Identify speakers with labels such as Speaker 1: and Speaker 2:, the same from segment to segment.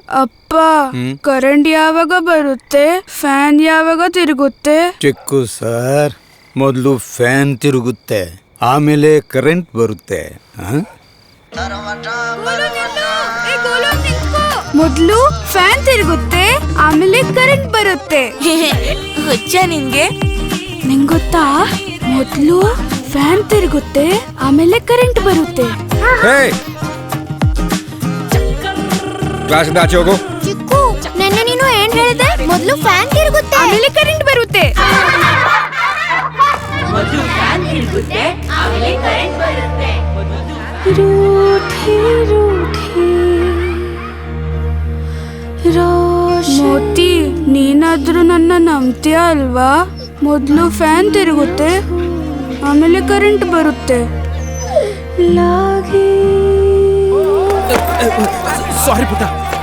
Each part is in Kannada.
Speaker 1: ಅಪ್ಪ ಕರೆಂಟ್ ಯಾವಾಗ ಬರುತ್ತೆ? ಫ್ಯಾನ್ ಯಾವಾಗ ತಿರುಗುತ್ತೆ?
Speaker 2: ಚಿಕ್ಕು ಸರ್, ಮೊದಲು ಫ್ಯಾನ್ ತಿರುಗುತ್ತೆ, ಆಮೇಲೆ ಕರೆಂಟ್ ಬರುತ್ತೆ.
Speaker 1: ಮೊದ್ಲು ಫ್ಯಾನ್ ತಿರುಗುತ್ತೆ, ಆಮೇಲೆ ಕರೆಂಟ್ ಬರುತ್ತೆ.
Speaker 3: ಹುಚ್ಚ ನಿನ್ಗೆ?
Speaker 1: ನಿಂಗ್ ಗೊತ್ತಾ? ಮೊದ್ಲು ಫ್ಯಾನ್ ತಿರುಗುತ್ತೆ, ಆಮೇಲೆ ಕರೆಂಟ್ ಬರುತ್ತೆ.
Speaker 4: ಕ್ಲಾಸಿಂದ ಆಚೆ ಹೋಗು.
Speaker 3: ಚಿಕ್ಕು, ನೆನ್ನೆ ನೀನು ಏನ್ ಹೇಳಿದೆ? ಮೊದ್ಲು ಫ್ಯಾನ್ ತಿರುಗುತ್ತೆ,
Speaker 1: ಆಮೇಲೆ ಕರೆಂಟ್ ಬರುತ್ತೆ. ಮೋತಿ, ನೀನಾದ್ರೂ ನನ್ನ ನಂಬ್ತೀಯ ಅಲ್ವಾ? ಮೊದ್ಲು ಫ್ಯಾನ್ ತಿರುಗುತ್ತೆ, ಆಮೇಲೆ ಕರೆಂಟ್ ಬರುತ್ತೆ.
Speaker 4: ಸಾರಿ ಪುಟ್ಟ.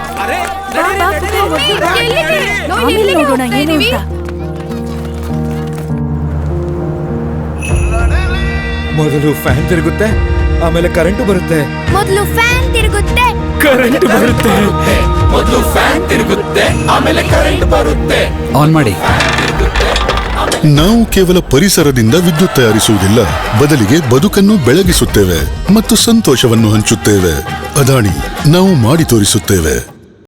Speaker 4: ಮೊದಲು ಫ್ಯಾನ್ ತಿರುಗುತ್ತೆ, ಆಮೇಲೆ ಕರೆಂಟ್ ಬರುತ್ತೆ.
Speaker 3: ಮೊದ್ಲು ಫ್ಯಾನ್ ತಿರುಗುತ್ತೆ,
Speaker 4: ಕರೆಂಟ್ ಬರುತ್ತೆ. ಮೊದಲು ಫ್ಯಾನ್ ತಿರುಗುತ್ತೆ, ಆಮೇಲೆ ಕರೆಂಟ್ ಬರುತ್ತೆ.
Speaker 5: ಆನ್ ಮಾಡಿ.
Speaker 6: ನಾವು ಕೇವಲ ಪರಿಸರದಿಂದ ವಿದ್ಯುತ್ ತಯಾರಿಸುವುದಿಲ್ಲ, ಬದಲಿಗೆ ಬದುಕನ್ನು ಬೆಳಗಿಸುತ್ತೇವೆ ಮತ್ತು ಸಂತೋಷವನ್ನು ಹಂಚುತ್ತೇವೆ. ಅದಾನಿ, ನಾವು ಮಾಡಿ ತೋರಿಸುತ್ತೇವೆ.